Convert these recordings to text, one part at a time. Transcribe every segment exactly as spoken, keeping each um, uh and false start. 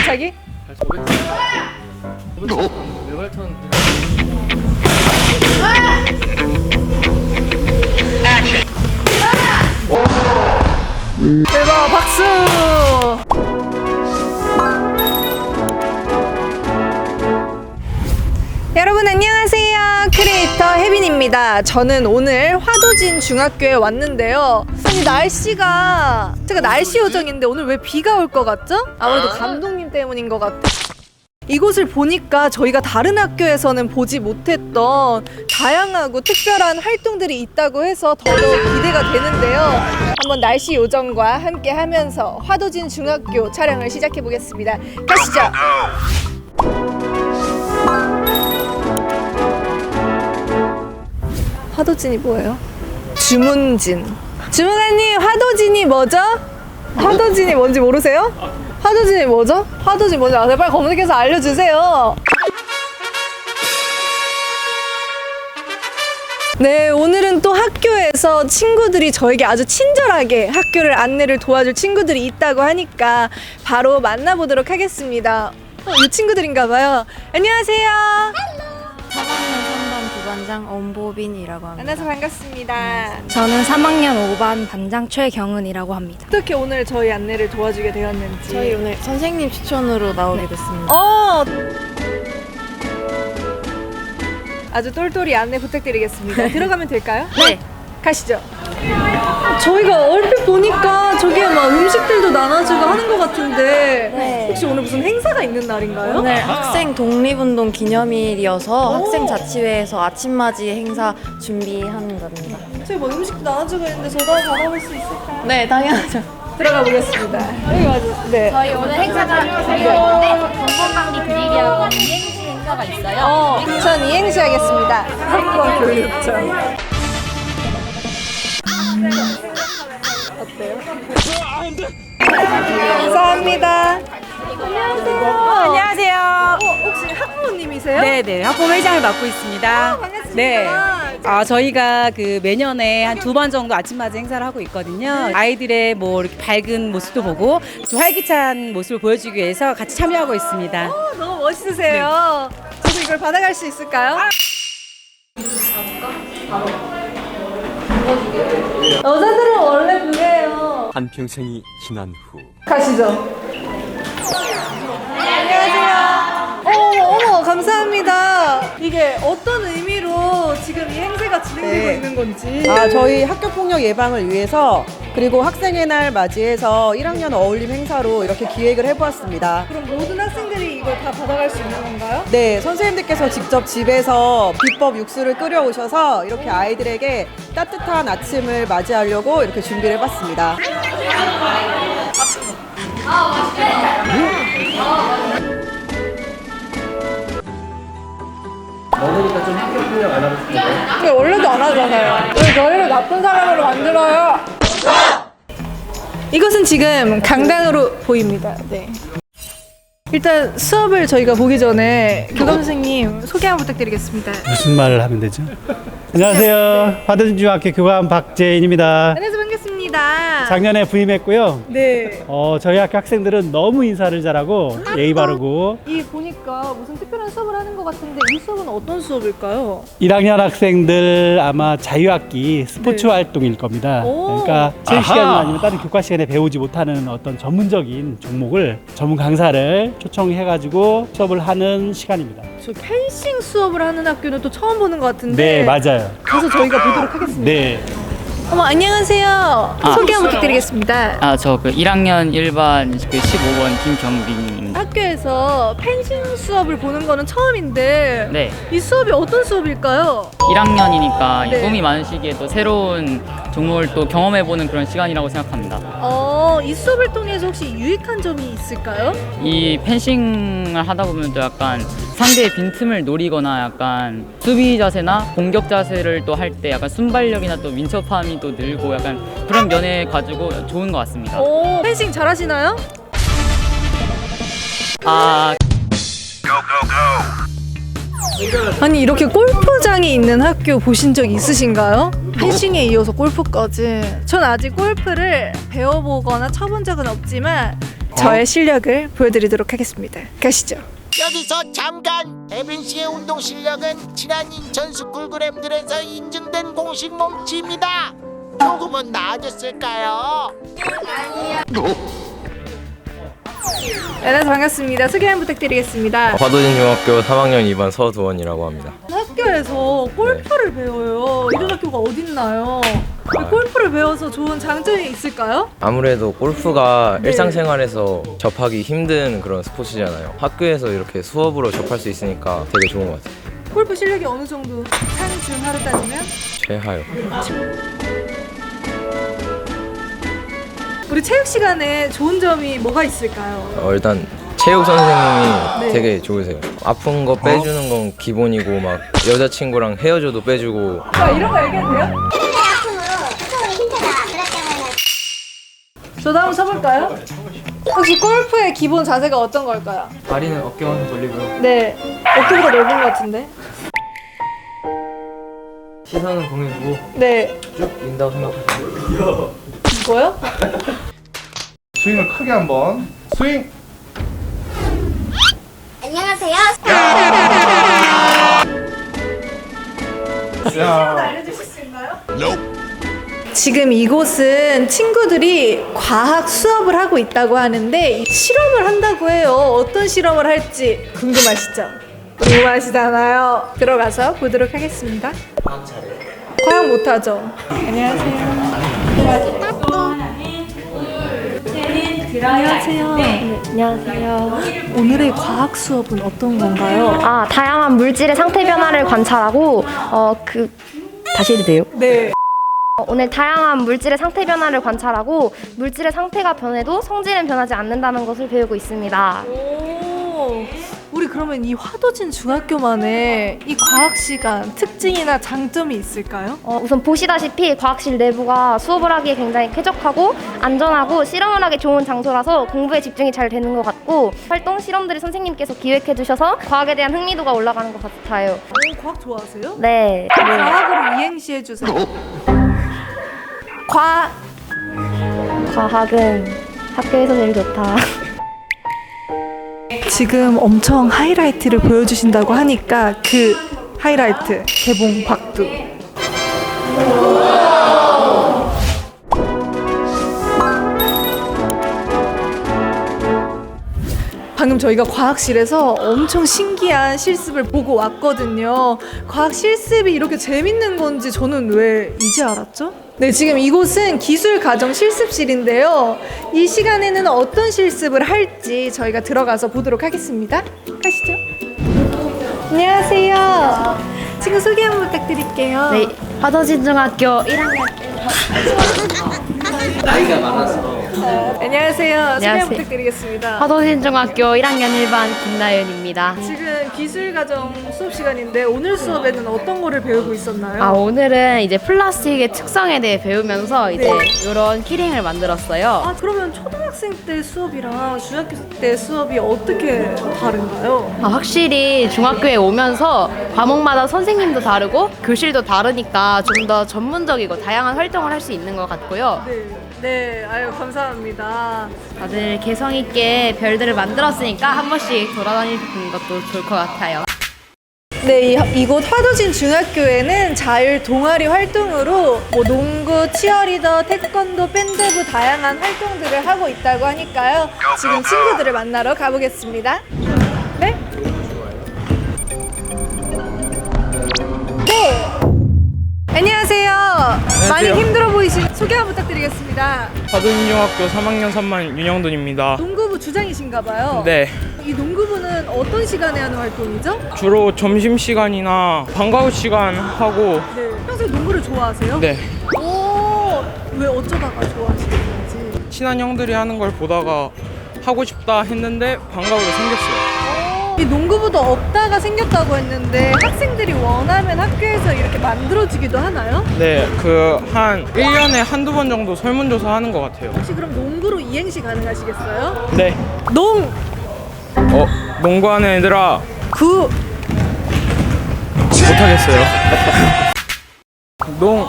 발차기? 외발턴. 대박, 박수! 여러분 안녕하세요. 크리에이터 혜빈입니다. 저는 오늘 화도진 중학교에 왔는데요. 아니 날씨가 제가 날씨 요정인데 오늘 왜 비가 올 것 같죠? 아무래도 감독님 때문인 것 같아요. 이곳을 보니까 저희가 다른 학교에서는 보지 못했던 다양하고 특별한 활동들이 있다고 해서 더더욱 기대가 되는데요. 한번 날씨 요정과 함께 하면서 화도진 중학교 촬영을 시작해 보겠습니다. 가시죠. 화도진이 뭐예요? 주문진. 주문관님, 화도진이 뭐죠? 화도진이 뭔지 모르세요? 화도진이 뭐죠? 화도진 뭔지 아세요? 빨리 검색해서 알려주세요. 네, 오늘은 또 학교에서 친구들이 저에게 아주 친절하게 학교를 안내를 도와줄 친구들이 있다고 하니까 바로 만나보도록 하겠습니다. 어, 이 친구들인가 봐요. 안녕하세요. 삼 학년 삼 반 부반장 엄보빈이라고 합니다. 만나서 반갑습니다. 저는 삼 학년 오 반 반장 최경은이라고 합니다. 어떻게 오늘 저희 안내를 도와주게 되었는지. 저희 오늘 선생님 추천으로 나오게 됐습니다. 어! 아주 똘똘이 안내 부탁드리겠습니다. 들어가면 될까요? 네. 가시죠. 저희가 얼핏 보니까 저기에 막 음식들도 나눠주고 하는 것 같은데 네. 혹시 오늘 무슨 행사가 있는 날인가요? 오늘 학생 독립운동 기념일이어서 학생 자치회에서 아침맞이 행사 준비하는 겁니다. 저희 뭐 음식도 나눠주고 있는데 저도 한번 받아볼 수 있을까요? 네, 당연하죠. 들어가 보겠습니다. 여기 맞아. 네. 저희 오늘 행사가 있는데 건강관리 드립이라고 이행시 행사가 있어요. 어, 전 이행시 하겠습니다. 학과 교육청. 어때요? 감사합니다. 안녕하세요. 안녕하세요. 어, 혹시 학부모님이세요? 네네, 학부 회장을 맡고 있습니다. 반갑습니다. 네. 아, 저희가 그 매년에 한 두 번 정도 아침맞이 행사를 하고 있거든요. 아이들의 뭐 이렇게 밝은 모습도 보고 좀 활기찬 모습을 보여주기 위해서 같이 참여하고 있습니다. 어, 너무 멋있으세요. 저도 이걸 받아갈 수 있을까요? 여자들은 원래 그래요. 한평생이 지난 후 가시죠. 안녕하세요. 어머, 어머, 감사합니다. 이게 어떤 의미로 지금 이 행사가 진행되고 네. 있는 건지. 아, 저희 학교 폭력 예방을 위해서 그리고 학생의 날 맞이해서 일 학년 어울림 행사로 이렇게 기획을 해보았습니다. 그럼 모든 학생들이 이걸 다 받아갈 수 있는 건가요? 네, 선생님들께서 직접 집에서 비법 육수를 끓여오셔서 이렇게 아이들에게 따뜻한 아침을 맞이하려고 이렇게 준비를 해봤습니다. 너니까 좀 학교 폭력 안 하고 싶은데. 근데 원래도 안 하잖아요. 왜 저희를 나쁜 사람으로 만들어요? 이것은 지금 강당으로 보입니다. 네. 일단 수업을 저희가 보기 전에 교감 선생님 소개 한번 부탁드리겠습니다. 무슨 말을 하면 되죠? 안녕하세요. 화도진 중학교 교감 박재인입니다. 안녕하세요. 반갑습니다. 작년에 부임했고요. 네. 어, 저희 학교 학생들은 너무 인사를 잘하고 예의 바르고 이 보니까 무슨 특별한 수업을 하는 것 같은데 이 수업은 어떤 수업일까요? 일 학년 학생들 아마 자유학기 스포츠 네. 활동일 겁니다. 오. 그러니까 체육 시간이나 아니면 다른 교과 시간에 배우지 못하는 어떤 전문적인 종목을 전문 강사를 초청해가지고 수업을 하는 시간입니다. 저 펜싱 수업을 하는 학교는 또 처음 보는 것 같은데. 네, 맞아요. 가서 저희가 보도록 하겠습니다. 네. 어머, 안녕하세요. 소개 한번 부탁드리겠습니다. 아, 저 그 일 학년 일 반 그 십오 번 김경빈입니다. 학교에서 펜싱 수업을 보는 거는 처음인데 네. 이 수업이 어떤 수업일까요? 일 학년이니까 네. 꿈이 많으시기에 또 새로운 종목을 또 경험해보는 그런 시간이라고 생각합니다. 어, 이 수업을 통해서 혹시 유익한 점이 있을까요? 이 펜싱을 하다 보면 또 약간 상대의 빈틈을 노리거나 약간 수비 자세나 공격 자세를 또 할 때 약간 순발력이나 또 민첩함이 또 늘고 약간 그런 면에 가지고 좋은 것 같습니다. 오, 펜싱 잘하시나요? 아, 아니 이렇게 골프장이 있는 학교 보신 적 있으신가요? 펜싱에 이어서 골프까지. 전 아직 골프를 배워보거나 쳐본 적은 없지만 저의 실력을 보여드리도록 하겠습니다. 가시죠. 여기서 잠깐! 혜빈 씨의 운동 실력은 지난 인천 스쿨그램들에서 인증된 공식 몸치입니다. 조금은 나아졌을까요? 안녕하세요. 반갑습니다. 소개 한번 부탁드리겠습니다. 화도진 중학교 삼 학년 이 반 서두원이라고 합니다. 학교에서 골프를 배워요. 이런 학교가 어딨나요? 골프를 배워서 좋은 장점이 있을까요? 아무래도 골프가 네. 일상생활에서 접하기 힘든 그런 스포츠잖아요. 학교에서 이렇게 수업으로 접할 수 있으니까 되게 좋은 것 같아요. 골프 실력이 어느 정도 상중하로 따지면? 최하요. 우리 체육 시간에 좋은 점이 뭐가 있을까요? 어, 일단 체육 선생님이 네. 되게 좋으세요. 아픈 거 빼주는 건 기본이고 막 여자친구랑 헤어져도 빼주고. 아, 이런 거 얘기해도 돼요? 저도 한번 쳐볼까요? 혹시 골프의 기본 자세가 어떤 걸까요? 다리는 어깨만큼 돌리고요. 네, 어깨보다 넓은 것 같은데. 시선은 공에 두고 네, 쭉 민다고 생각하시고. 이거요? 스윙을 크게 한번 스윙. 안녕하세요. 야. 알려주실 수 있나요? 지금 이곳은 친구들이 과학 수업을 하고 있다고 하는데 실험을 한다고 해요. 어떤 실험을 할지 궁금하시죠? 궁금하시잖아요. 들어가서 보도록 하겠습니다. 과학 못하죠? 안녕하세요. 안녕하세요. 네, 안녕하세요. 오늘의 과학 수업은 어떤 건가요? 아, 다양한 물질의 상태 변화를 관찰하고 어 그 다시 해도 돼요? 네. 어, 오늘 다양한 물질의 상태 변화를 관찰하고 물질의 상태가 변해도 성질은 변하지 않는다는 것을 배우고 있습니다. 오, 우리 그러면 이 화도진 중학교만의 이 과학 시간 특징이나 장점이 있을까요? 어, 우선 보시다시피 과학실 내부가 수업을 하기에 굉장히 쾌적하고 안전하고 실험을 하기 좋은 장소라서 공부에 집중이 잘 되는 것 같고 활동 실험들을 선생님께서 기획해 주셔서 과학에 대한 흥미도가 올라가는 것 같아요. 오, 과학 좋아하세요? 네. 과학으로 이행시 해주세요. 과 과학은 학교에서 제일 좋다. 지금 엄청 하이라이트를 보여주신다고 하니까 그 하이라이트 개봉 박두. 방금 저희가 과학실에서 엄청 신기한 실습을 보고 왔거든요. 과학 실습이 이렇게 재밌는 건지 저는 왜 이제 알았죠? 네, 지금 이곳은 기술가정 실습실인데요. 이 시간에는 어떤 실습을 할지 저희가 들어가서 보도록 하겠습니다. 가시죠. 안녕하세요. 친구 소개 한번 부탁드릴게요. 네, 화도진 중학교 일 학년. 나이가 많아서. 안녕하세요. 소개 안녕하세요. 한번 부탁드리겠습니다. 화도진 중학교 일 학년 일 반 김나연입니다. 지금 기술가정 수업 시간인데 오늘 수업에는 어떤 거를 배우고 있었나요? 아, 오늘은 이제 플라스틱의 특성에 대해 배우면서 이제 네. 이런 키링을 만들었어요. 아, 그러면 초등학생 때 수업이랑 중학교 때 수업이 어떻게 다른가요? 아, 확실히 중학교에 오면서 과목마다 선생님도 다르고 교실도 다르니까 좀 더 전문적이고 다양한 활동을 할 수 있는 것 같고요. 네, 네, 아유 감사합니다. 다들 개성 있게 별들을 만들었으니까 한 번씩 돌아다니는 것도 좋을 것 같아요. 네, 이, 이곳 화도진 중학교에는 자율 동아리 활동으로 뭐 농구, 치어리더, 태권도, 밴드부 다양한 활동들을 하고 있다고 하니까요. 지금 친구들을 만나러 가보겠습니다. 네? 네. 안녕하세요. 많이 힘들어 보이신 소개 한번 부탁드리겠습니다. 화도진 중학교 삼 학년 삼 반 윤영돈입니다. 농구부 주장이신가 봐요. 네, 이 농구부는 어떤 시간에 하는 활동이죠? 주로 점심시간이나 방과후 시간 하고. 네. 평소에 농구를 좋아하세요? 네, 오, 왜 어쩌다가 좋아하시는 건지. 친한 형들이 하는 걸 보다가 하고 싶다 했는데 방과후가 생겼어요. 이 농구부도 없다가 생겼다고 했는데 학생들이 원하면 학교에서 이렇게 만들어지기도 하나요? 네, 그 한 일 년에 한두 번 정도 설문조사 하는 것 같아요. 혹시 그럼 농구로 이행시 가능하시겠어요? 네. 농! 어, 농구하는 애들아 구! 못하겠어요. 농,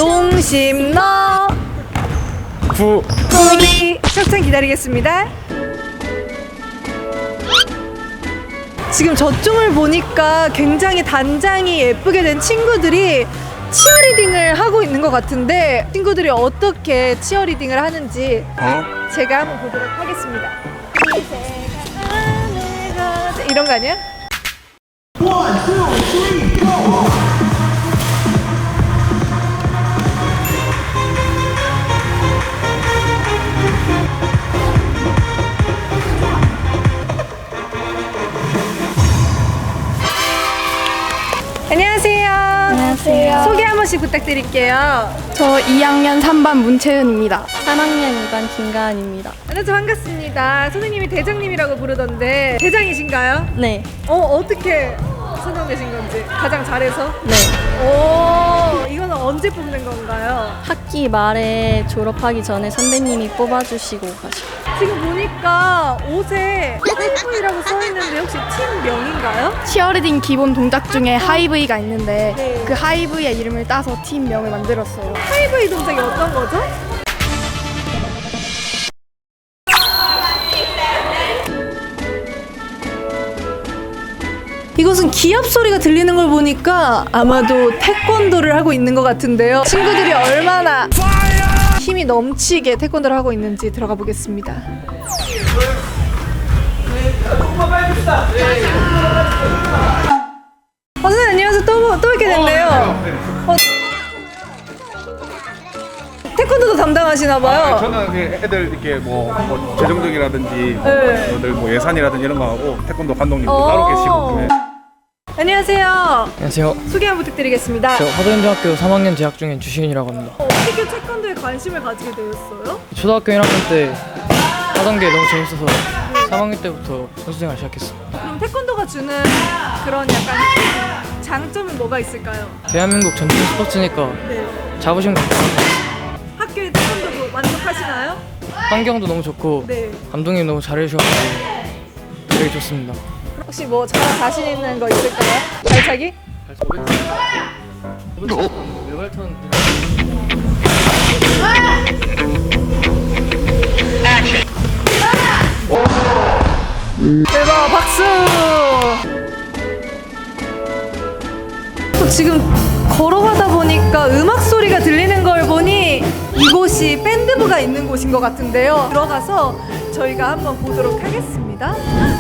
농심너! 구, 구리! 협찬 기다리겠습니다. 지금 저쪽을 보니까 굉장히 단장이 예쁘게 된 친구들이 치어리딩을 하고 있는 것 같은데 친구들이 어떻게 치어리딩을 하는지 제가 한번 보도록 하겠습니다. 이런 거 아니야? 안녕하세요. 안녕하세요. 소개 한 번씩 부탁드릴게요. 저 이 학년 삼 반 문채은입니다. 삼 학년 이 반 김가은입니다. 안녕하세요. 반갑습니다. 선생님이 대장님이라고 부르던데 대장이신가요? 네. 어, 어떻게 선정되신 건지 가장 잘해서? 네. 오, 이거는 언제 뽑는 건가요? 학기 말에 졸업하기 전에 선배님이 뽑아주시고 가시고. 지금 보니까 옷에 하이브이라고 써있는데 혹시 팀명인가요? 치어리딩 기본 동작 중에 하이브이가 있는데 네. 그 하이브이의 이름을 따서 팀명을 만들었어요. 하이브이 동작이 어떤 거죠? 이곳은 기합 소리가 들리는 걸 보니까 아마도 태권도를 하고 있는 것 같은데요. 친구들이 얼마나 힘이 넘치게 태권도를 하고 있는지 들어가 보겠습니다. 어, 선생님 안녕하세요. 또, 또 뵙게 됐네요. 어, 태권도도 담당하시나 봐요. 아, 저는 그 애들 이렇게 뭐, 뭐 재정적이라든지 네. 애들 뭐 예산이라든지 이런 거 하고 태권도 감독님도 어. 따로 계시고. 네. 안녕하세요. 안녕하세요. 소개 한번 부탁드리겠습니다. 저 화도연중학교 삼 학년 재학 중인 주시은이라고 합니다. 어, 어떻게 태권도에 관심을 가지게 되었어요? 초등학교 일 학년 때 하던 게 너무 재밌어서 삼 학년 때부터 선수생활 시작했어요. 그럼 태권도가 주는 그런 약간 장점은 뭐가 있을까요? 대한민국 전통 스포츠니까 네. 자부심도 있고 학교의 태권도도 만족하시나요? 환경도 너무 좋고 네. 감독님 너무 잘해주셔가지고 되게 좋습니다. 혹시 뭐 저랑 자신 있는 거 있을까요? 발차기? 외발턴 대박 박수! 또 지금 걸어가다 보니까 음악 소리가 들리는 걸 보니 이곳이 밴드부가 있는 곳인 것 같은데요. 들어가서 저희가 한번 보도록 하겠습니다.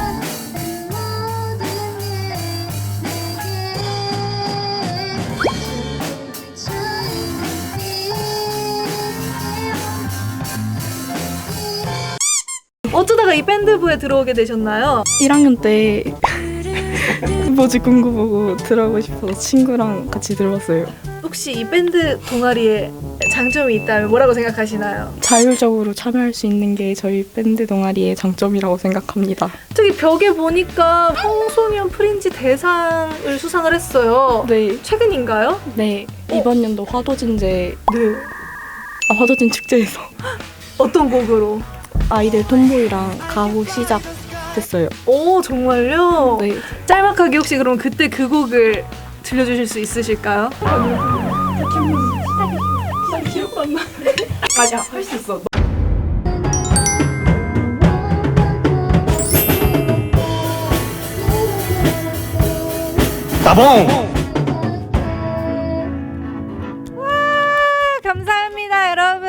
어쩌다가 이 밴드부에 들어오게 되셨나요? 일 학년 때 뭐지 공부 보고 들어가고 싶어서 친구랑 같이 들어왔어요. 혹시 이 밴드 동아리에 장점이 있다면 뭐라고 생각하시나요? 자율적으로 참여할 수 있는 게 저희 밴드 동아리의 장점이라고 생각합니다. 저기 벽에 보니까 청소년 프린지 대상을 수상을 했어요. 네. 최근인가요? 네. 이번 연도 화도진제 네. 아, 화도진 축제에서 어떤 곡으로? 아이들 톰보이랑 가호 시작됐어요. 오, 정말요? 네. 짤막하게 혹시 그럼 그때 그 곡을 들려주실 수 있으실까요? 기억 안 나. 아니야, 할 수 있어. 따봉! 와, 감사합니다, 여러분.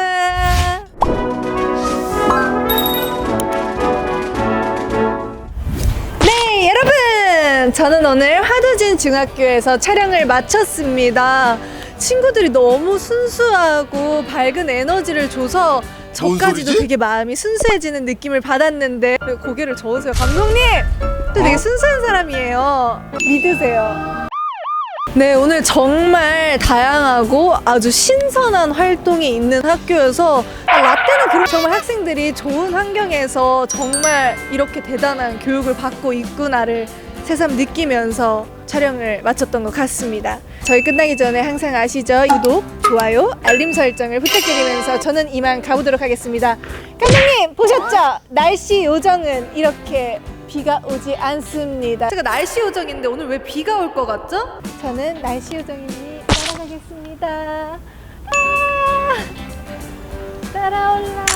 네, 여러분. 저는 오늘 화도진 중학교에서 촬영을 마쳤습니다. 친구들이 너무 순수하고 밝은 에너지를 줘서 저까지도 되게 마음이 순수해지는 느낌을 받았는데 왜 고개를 저으세요? 감독님! 또 되게 순수한 사람이에요. 믿으세요. 네, 오늘 정말 다양하고 아주 신선한 활동이 있는 학교여서 아, 라떼는 그런 정말 학생들이 좋은 환경에서 정말 이렇게 대단한 교육을 받고 있구나를 새삼 느끼면서 촬영을 마쳤던 것 같습니다. 저희 끝나기 전에 항상 아시죠? 구독, 좋아요, 알림 설정을 부탁드리면서 저는 이만 가보도록 하겠습니다. 감독님 보셨죠? 날씨 요정은 이렇게 비가 오지 않습니다. 제가 날씨 요정인데 오늘 왜 비가 올 것 같죠? 저는 날씨 요정이니 따라가겠습니다. 아, 따라올라.